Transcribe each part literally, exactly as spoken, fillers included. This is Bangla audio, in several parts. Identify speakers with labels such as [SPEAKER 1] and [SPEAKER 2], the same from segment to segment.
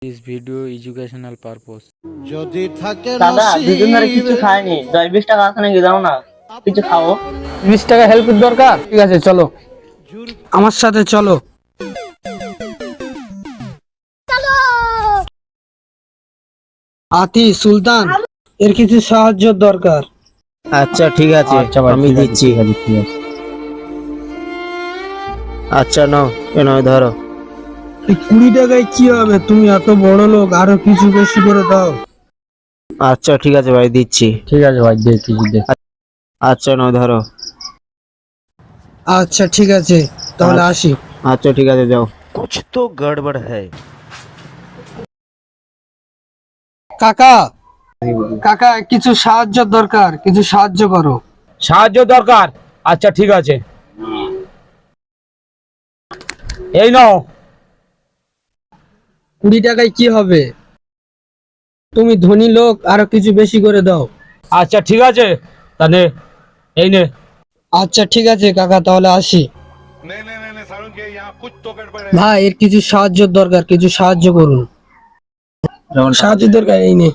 [SPEAKER 1] This video educational purpose.
[SPEAKER 2] যদি থাকে
[SPEAKER 3] দাদা দুদিন ধরে কিছু খাইনি, দশ বিশ টাকা আছে নাকি দাও না, কিছু খাও।
[SPEAKER 4] বিশ টাকা হেল্প দরকার, ঠিক আছে চলো আমার সাথে চলো। আতি সুলতান, এর কিছু সাহায্য দরকার।
[SPEAKER 3] আচ্ছা ঠিক আছে, আমি দিচ্ছি। আচ্ছা নাও, এ নয় ধরো।
[SPEAKER 4] এই কুড়ি টাকায় কি হবে? তুমি এত বড় লোক, আরো কিছু বেশি করে দাও।
[SPEAKER 3] আচ্ছা ঠিক আছে ভাই, দিচ্ছি।
[SPEAKER 1] ঠিক আছে ভাই, দেখি দেখ।
[SPEAKER 3] আচ্ছা নয় ধরো।
[SPEAKER 4] আচ্ছা ঠিক আছে, তাহলে আসি।
[SPEAKER 3] আচ্ছা ঠিক আছে, যাও।
[SPEAKER 2] कुछ तो गड़बड़ है।
[SPEAKER 4] কাকা কাকা কিছু সাহায্য দরকার, কিছু সাহায্য করো।
[SPEAKER 5] সাহায্য দরকার? আচ্ছা ঠিক আছে, এই নাও।
[SPEAKER 4] কুড়ি টাকায় কি হবে? তুমি ধনী লোক, আরো কিছু বেশি করে দাও।
[SPEAKER 5] আচ্ছা ঠিক আছে, তাহলে এই নে।
[SPEAKER 4] আচ্ছা ঠিক আছে কাকা, তাহলে আসি। ভাই এর কিছু সাহায্য দরকার, কিছু সাহায্য করুন। সাহায্য দরকার, এই নে।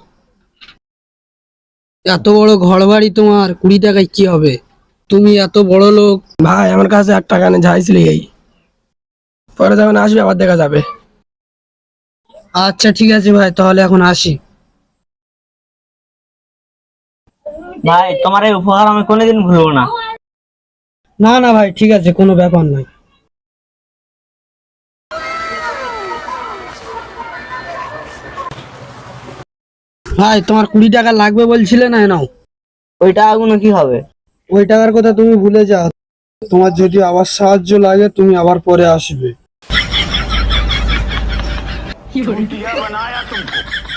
[SPEAKER 4] এত বড় ঘর বাড়ি তোমার, কুড়ি টাকায় কি হবে? তুমি এত বড় লোক। ভাই আমার কাছে এক টাকা নেই, যাইছিল এই পরে যখন আসবে আবার দেখা যাবে। আচ্ছা ঠিক আছে ভাই, তাহলে এখন আসি।
[SPEAKER 3] ভাই তোমার এই উপহার আমি কোনোদিন ভুলবো না।
[SPEAKER 4] না না ভাই, ঠিক আছে, কোনো ব্যাপার নয়। ভাই তোমার কুড়ি টাকা লাগবে বলছিলে না, নাও।
[SPEAKER 3] ওই টাকাগুলো কি হবে?
[SPEAKER 4] ওই টাকার কথা তুমি ভুলে যাও। তোমার যদি আবার সাহায্য লাগে, তুমি আবার পরে আসবে।